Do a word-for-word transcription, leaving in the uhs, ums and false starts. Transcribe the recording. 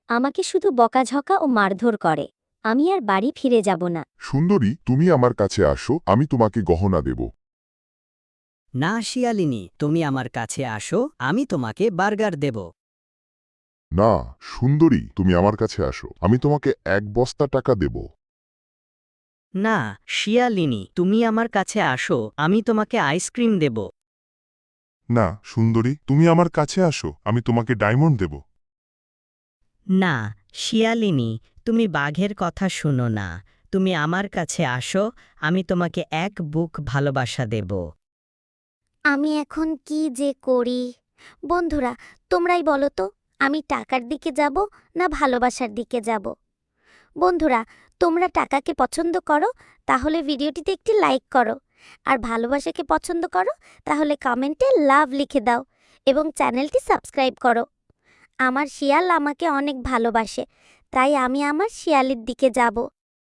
আমাকে শুধু বকাঝকা ও মারধর করে। আমি আর বাড়ি ফিরে যাব না। সুন্দরী, তুমি আমার কাছে আসো, আমি তোমাকে গহনা দেব। না শিয়ালিনী, তুমি আমার কাছে আসো, আমি তোমাকে বার্গার দেব। না সুন্দরী, তুমি আমার কাছে আসো, আমি তোমাকে এক বস্তা টাকা দেব। না শিয়ালিনী, তুমি আমার কাছে আসো, আমি তোমাকে আইসক্রিম দেব। না সুন্দরী, তুমি আমার কাছে আসো, আমি তোমাকে ডায়মন্ড দেব। না শিয়ালিনী, তুমি বাঘের কথা শুনো না, তুমি আমার কাছে আসো, আমি তোমাকে এক বুক ভালোবাসা দেব। আমি এখন কি যে করি? বন্ধুরা, তোমরাই বলো তো, আমি টাকার দিকে যাব না ভালোবাসার দিকে যাব? বন্ধুরা, তোমরা টাকাকে পছন্দ করো তাহলে ভিডিওটিতে একটি লাইক করো, আর ভালোবাসাকে পছন্দ করো তাহলে কমেন্টে লাভ লিখে দাও এবং চ্যানেলটি সাবস্ক্রাইব করো। আমার শিয়াল আমাকে অনেক ভালোবাসে, তাই আমি আমার শিয়ালের দিকে যাব।